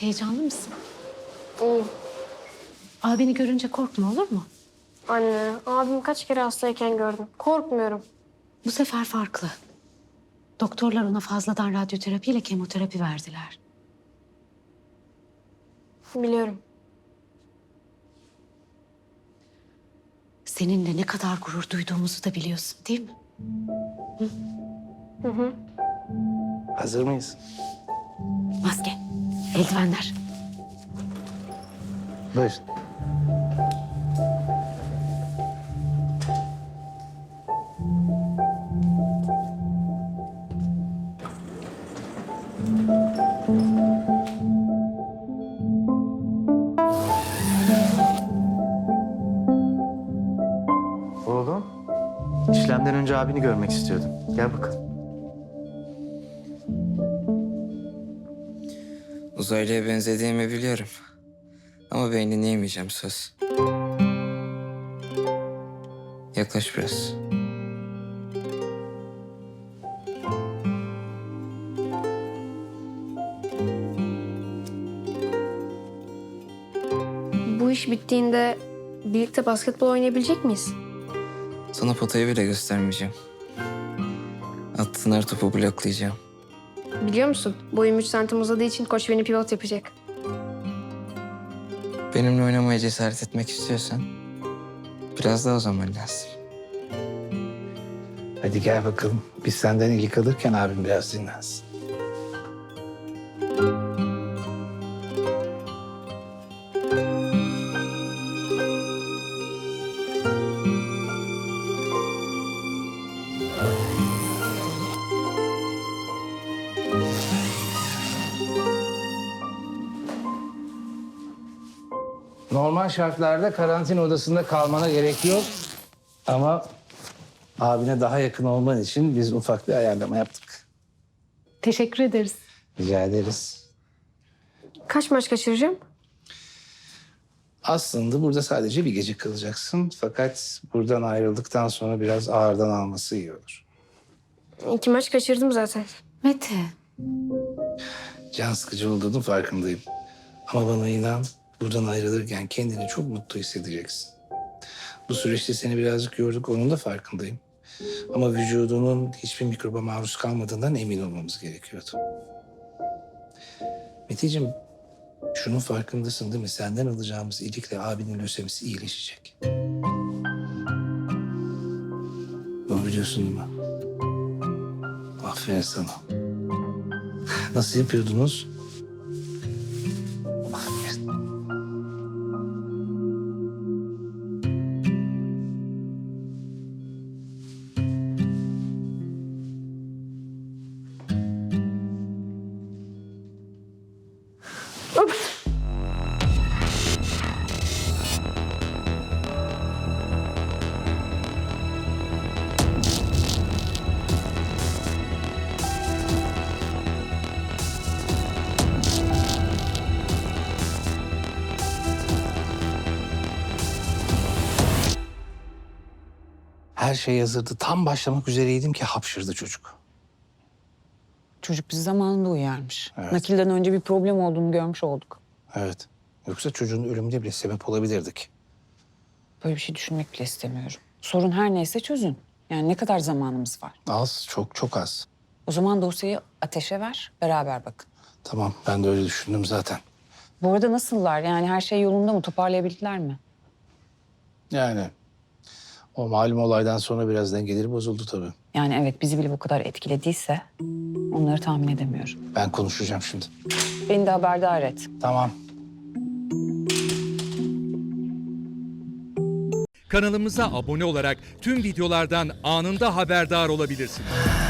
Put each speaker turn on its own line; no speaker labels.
Heyecanlı mısın?
İyiyim.
Abini görünce korkma, olur mu?
Anne, abim kaç kere hastayken gördüm. Korkmuyorum.
Bu sefer farklı. Doktorlar ona fazladan radyoterapi ile kemoterapi verdiler.
Biliyorum.
Seninle ne kadar gurur duyduğumuzu da biliyorsun, değil mi?
Hazır mıyız?
Maske, eldivenler.
Buyurun. Oğlum, işlemden önce abini görmek istiyordum. Gel bakalım.
Uzaylıya benzediğimi biliyorum. Ama beynini yemeyeceğim, söz. Yaklaş biraz.
Bu iş bittiğinde birlikte basketbol oynayabilecek miyiz?
Sana potayı bile göstermeyeceğim. Attığın her topu bloklayacağım.
Biliyor musun? Boyum 3 santim uzadığı için koç beni pivot yapacak.
Benimle oynamaya cesaret etmek istiyorsan biraz daha o zaman lazım.
Hadi gel bakalım. Biz senden ilgi alırken abim biraz dinlensin. Normal şartlarda karantina odasında kalmana gerek yok. Ama abine daha yakın olman için biz ufak bir ayarlama yaptık.
Teşekkür ederiz.
Rica ederiz.
Kaç maç kaçıracağım?
Aslında burada sadece bir gece kalacaksın. Fakat buradan ayrıldıktan sonra biraz ağırdan alması iyi olur.
2 maç kaçırdım zaten.
Mete,
Can sıkıcı olduğunun farkındayım. Ama bana inan, buradan ayrılırken kendini çok mutlu hissedeceksin. Bu süreçte seni birazcık yorduk, onun da farkındayım. Ama vücudunun hiçbir mikroba maruz kalmadığından emin olmamız gerekiyordu. Meteciğim, şunun farkındasın değil mi? Senden alacağımız iyilikle abinin lösemisi iyileşecek. Bunu biliyorsun değil mi? Aferin sana. Nasıl yapıyordunuz? Aferin. Her şey hazırdı. Tam başlamak üzereydim ki hapşırdı çocuk.
Çocuk bizi zamanında uyarmış.
Evet.
Nakilden önce bir problem olduğunu görmüş olduk.
Evet. Yoksa çocuğun ölümüne bile sebep olabilirdik.
Böyle bir şey düşünmek bile istemiyorum. Sorun her neyse çözün. Yani ne kadar zamanımız var?
Az, çok çok az.
O zaman dosyayı Ateş'e ver, beraber bakın.
Tamam, ben de öyle düşündüm zaten.
Bu arada nasıllar? Yani her şey yolunda mı? Toparlayabildiler mi?
Yani o malum olaydan sonra biraz dengeleri bozuldu tabii.
Yani evet, bizi bile bu kadar etkilediyse onları tahmin edemiyorum.
Ben konuşacağım şimdi.
Beni de haberdar et.
Tamam.
Kanalımıza abone olarak tüm videolardan anında haberdar olabilirsiniz.